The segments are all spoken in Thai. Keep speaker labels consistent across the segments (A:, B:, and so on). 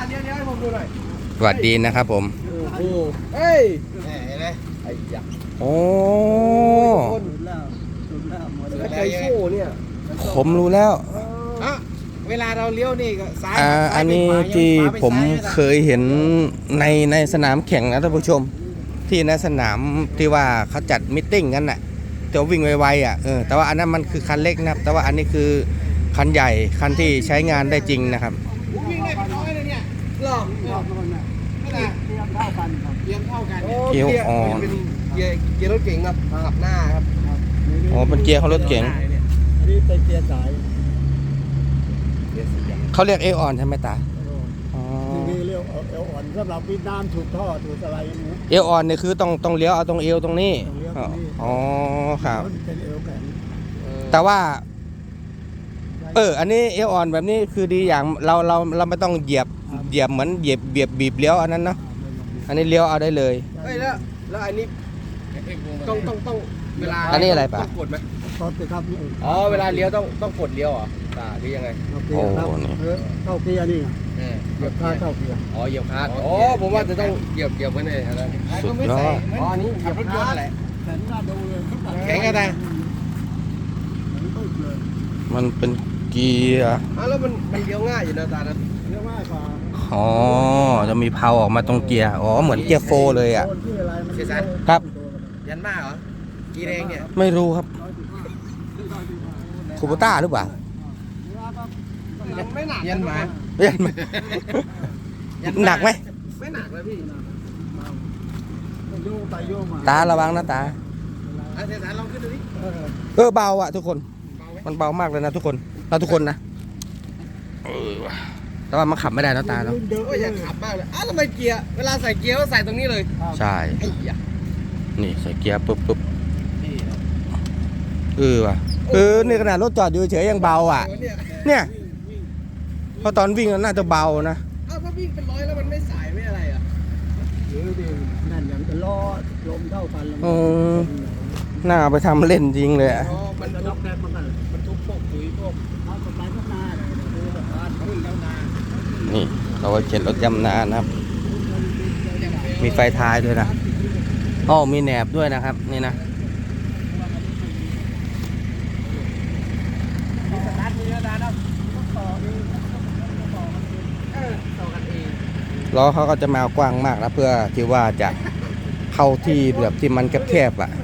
A: เลี้ยวให้ผมดูหน่อย
B: สวัสดีนะครับผม
A: โอ้เฮ้ยเห็นไหมไอ้ยักษ์
B: โอ้
A: ไก่โซ่เนี่ย
B: ผมรู้แล้ว
A: เวลาเราเลี้ยวนี่ก็ซ้าย
B: อันนี้ที่ผมเคยเห็นในสนามแข่งนะท่านผู้ชมที่ในสนามที่ว่าเขาจัดมิทติ้งกันน่ะจะวิ่งไวๆอ่ะแต่ว่าอันนั้นมันคือคันเล็กนะครับแต่ว่าอันนี้คือคันใหญ่คันที่ใช้งานได้จริงนะครับ
A: วิ่งได้เป็นร้อยเลยเนี่ยหลอกไม่ได้เทียมเท่ากันครับเทียมเท่ากัน
B: เกียร์อ่อน
A: เป็นเกียร์รถเก๋งครับขับหน้าครับ
B: อ๋อเป็นเกียร์ของรถเก๋ง
A: อันนี้เป็นเกียร์สาย
B: เขาเรียกเอออนใช่ไหมตา
A: นี่เรียกเอวอ่อนสำหรับวิดน้ำถูกท่อถูกอะไรนี้
B: เอออนเนี่ยคือต้องเลี้ยวเอาตรงเอวตรงนี้อ๋อครับแต่ว่าอันนี้เอออนแบบนี้คือดีอย่างเราไม่ต้องเหยียบเหมือนเหยียบบีบเลี้ยวอันนั้นเนาะอันนี้เลี้ยวเอาได้เลย
A: แล้วอันนี้ต้องเวลา
B: อันนี้อะไรปะ
A: กดไหมกดสิครับอ๋อเวลาเลี้ยวต้องกดเลี้ยวเหรอหรือยังไง
B: โอ้นี่
A: เข้าเกียร์นี่เหยียบคาเข้าเกียร์อ๋อเหยียบคาผมว่าจะต้องเหยียบไว้เลยอะไร
B: สุดยอด
A: อ๋อนี่ขับรถยนต์แหละแข็งอะไร
B: มันเป็นเกียร์
A: แล้วมันเลี้ยวง่ายอยู่นะตานะเลี้ยวง่ายกว่า
B: อ๋อจะมีเพาออกมาตรงเกียร์เหมือนเกียร์โฟเลยอ่ะครับ
A: ยันมากเหรอกีแรงเนี่ย
B: ไม่รู้ครับคูโบต้าหรือเปล่า
A: ไม่หนักยันมา
B: หนักไหม
A: ไม่หนักเลยพี่
B: ตาระวังนะตา
A: เสียสารลองขึ้นดูดิ
B: เบาอ่ะทุกคนมันเบามากเลยนะทุกคนทุกคนนะแต่ว่ามันขับไม่ได้นะตาเนาะ
A: อยากขับมากเลยทำไมเกียร์เวลาใส่เกียร์ก็ใส่ตรงนี้เลย
B: ใช่นี่ใส่เกียร์ปุ๊บว่ะนี่ขนาดรถจอดอยู่เฉยยังเบาอ่ะเนี่ยเพราะตอนวิ่งน่าจะเบานะ
A: ถ้าวิ่งเป็นร้อยแล้วมันไม่สายไม่อะไรอ่ะนั่นอย่างจะล้อลมเท่ากัน
B: น่าไปทำเล่นจริงเลย
A: มันทุกแนบมันทุกพวกปุ๋ยพวกเอาต้นไม้ต้นนา
B: นี่เราไว้เข็นรถยำนานะครับมีไฟท้ายด้วยนะมีแหนบด้วยนะครับนี่นะล้อเขาก็จะมากว้างมากนะเพื่อที่ว่าจะเข้าที่แบบที่มันแคบๆอ่ะ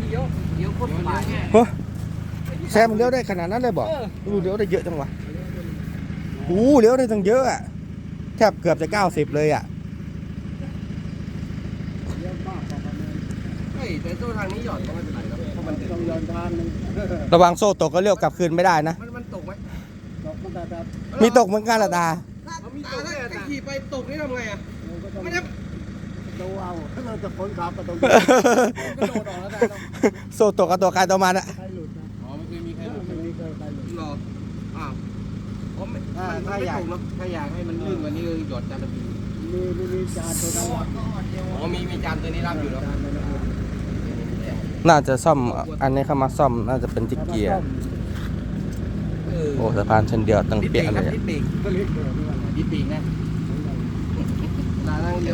B: แซมเลี้ยวได้ขนาดนั้นเลยบอกเลี้ยวได้เยอะจังวะเลี้ยวได้ตั้งเยอะอ่ะแทบเกือบจะ90เลยอ่ะ
A: แต่โซ่ทางนี้หย่อนก็ไม่เป็นไรนะเพราะมันต้องหย่อนทางนึง
B: ระวังโซ่ตกก็เลี้ยวกลับคืนไม่ได้นะ
A: มันตกไหม
B: มีตกเหมือนกันละตา
A: มีตกถ้าขี่ไปตกนี่ทำไงอ่ะไม่ได้โซ่เอาถ้าเราจะพ้นขับก็ต้องกระโดดออกแล้วได้
B: โซ่ตกกับตัวการตัวมันอะ
A: ไม่เคยมีใครหลุดหรอถ้าอยากให้มันลื่นกว่านี้คือหยดจานละมีจานตัวนี้มีจานตัวนี้รับอยู่แล้ว
B: น่าจะซ่อมอันนี้เข้ามาซ่อมน่าจะเป็นที่เกียร์สะพานเช่นเดียวตั้งเปียกเลย
A: ดิปีกนะลานั่งเดียว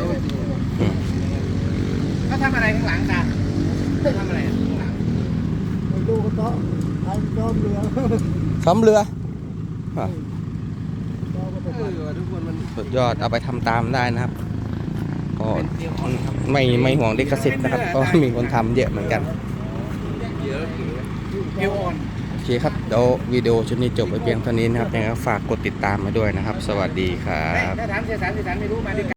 A: ก็ทำอะไรข้างหลังตาทำอะไรข้างหลังดูก็ต้องทำซ้อมเรือทุกคนมัน
B: สุดยอดเอาไปทำตามได้นะครับก็ไม่ห่วงลิขสิทธิ์นะครับก็มีคนทำเยอะเหมือนกันโอเคครับเดี๋ยววิดีโอชุดนี้จบไปเพียงเท่านี้นะครับยังไงฝากกดติดตามมาด้วยนะครับสวัสดีครับ
A: ถ้าถามเสียสารไม่รู้มา